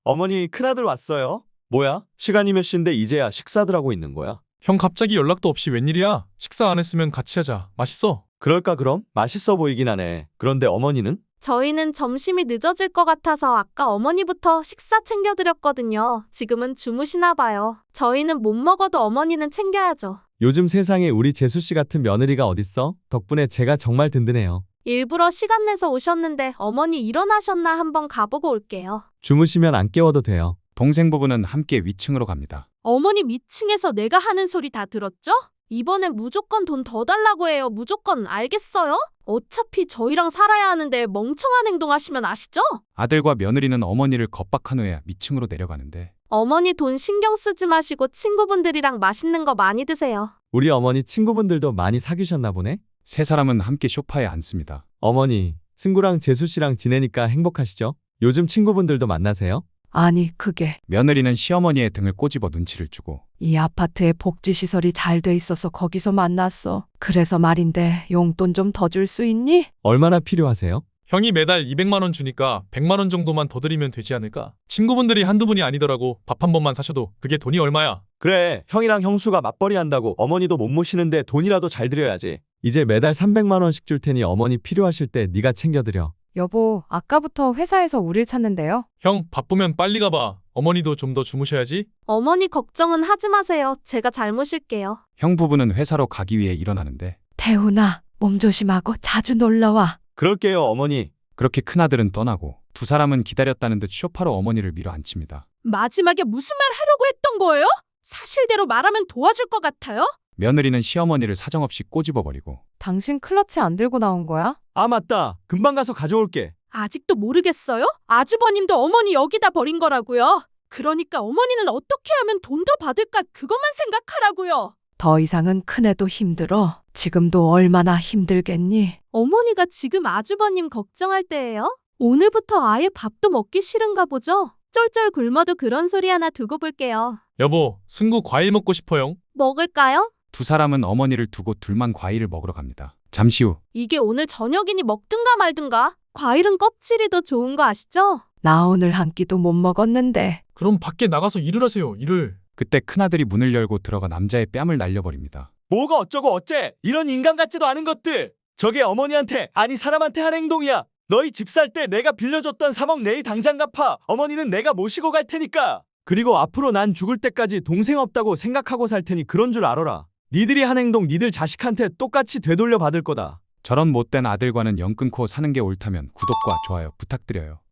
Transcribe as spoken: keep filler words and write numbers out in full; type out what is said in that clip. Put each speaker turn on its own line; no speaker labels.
어머니, 큰아들 왔어요. 뭐야? 시간이 몇 시인데 이제야 식사들 하고 있는 거야?
형 갑자기 연락도 없이 웬일이야? 식사 안 했으면 같이 하자. 맛있어.
그럴까 그럼? 맛있어 보이긴 하네. 그런데 어머니는?
저희는 점심이 늦어질 것 같아서 아까 어머니부터 식사 챙겨드렸거든요. 지금은 주무시나 봐요. 저희는 못 먹어도 어머니는 챙겨야죠.
요즘 세상에 우리 재수씨 같은 며느리가 어딨어? 덕분에 제가 정말 든든해요.
일부러 시간 내서 오셨는데 어머니 일어나셨나 한번 가보고 올게요.
주무시면 안 깨워도 돼요.
동생 부부는 함께 위층으로 갑니다.
어머니 미층에서 내가 하는 소리 다 들었죠? 이번엔 무조건 돈 더 달라고 해요. 무조건 알겠어요? 어차피 저희랑 살아야 하는데 멍청한 행동하시면 아시죠?
아들과 며느리는 어머니를 겁박한 후에 위층으로 내려가는데
어머니 돈 신경 쓰지 마시고 친구분들이랑 맛있는 거 많이 드세요.
우리 어머니 친구분들도 많이 사귀셨나 보네?
세 사람은 함께 소파에 앉습니다.
어머니, 승구랑 재수씨랑 지내니까 행복하시죠? 요즘 친구분들도 만나세요?
아니, 그게
며느리는 시어머니의 등을 꼬집어 눈치를 주고
이 아파트에 복지시설이 잘 돼 있어서 거기서 만났어. 그래서 말인데 용돈 좀 더 줄 수 있니?
얼마나 필요하세요?
형이 매달 이백만 원 주니까 백만 원 정도만 더 드리면 되지 않을까? 친구분들이 한두 분이 아니더라고. 밥 한 번만 사셔도 그게 돈이 얼마야?
그래, 형이랑 형수가 맞벌이 한다고 어머니도 못 모시는데 돈이라도 잘 드려야지. 이제 매달 삼백만 원씩 줄 테니 어머니 필요하실 때 네가 챙겨드려.
여보, 아까부터 회사에서 우릴 찾는데요.
형 바쁘면 빨리 가봐. 어머니도 좀 더 주무셔야지.
어머니 걱정은 하지 마세요. 제가 잘 모실게요.
형 부부는 회사로 가기 위해 일어나는데
태훈아, 몸 조심하고 자주 놀러와.
그럴게요, 어머니.
그렇게 큰아들은 떠나고 두 사람은 기다렸다는 듯 소파로 어머니를 밀어 앉힙니다.
마지막에 무슨 말 하려고 했던 거예요? 사실대로 말하면 도와줄 것 같아요?
며느리는 시어머니를 사정없이 꼬집어버리고
당신 클러치 안 들고 나온 거야?
아, 맞다. 금방 가서 가져올게.
아직도 모르겠어요? 아주버님도 어머니 여기다 버린 거라고요. 그러니까 어머니는 어떻게 하면 돈 더 받을까 그것만 생각하라고요.
더 이상은 큰애도 힘들어. 지금도 얼마나 힘들겠니?
어머니가 지금 아주버님 걱정할 때예요? 오늘부터 아예 밥도 먹기 싫은가 보죠? 쩔쩔 굶어도 그런 소리 하나 두고 볼게요.
여보, 승구 과일 먹고 싶어요.
먹을까요?
두 사람은 어머니를 두고 둘만 과일을 먹으러 갑니다. 잠시 후
이게 오늘 저녁이니 먹든가 말든가. 과일은 껍질이 더 좋은 거 아시죠?
나 오늘 한 끼도 못 먹었는데.
그럼 밖에 나가서 일을 하세요. 일을.
그때 큰아들이 문을 열고 들어가 남자의 뺨을 날려버립니다.
뭐가 어쩌고 어째? 이런 인간 같지도 않은 것들. 저게 어머니한테, 아니 사람한테 한 행동이야. 너희 집 살 때 내가 빌려줬던 삼억 내일 당장 갚아. 어머니는 내가 모시고 갈 테니까. 그리고 앞으로 난 죽을 때까지 동생 없다고 생각하고 살 테니 그런 줄 알아라. 니들이 한 행동 니들 자식한테 똑같이 되돌려 받을 거다.
저런 못된 아들과는 연 끊고 사는 게 옳다면 구독과 좋아요 부탁드려요.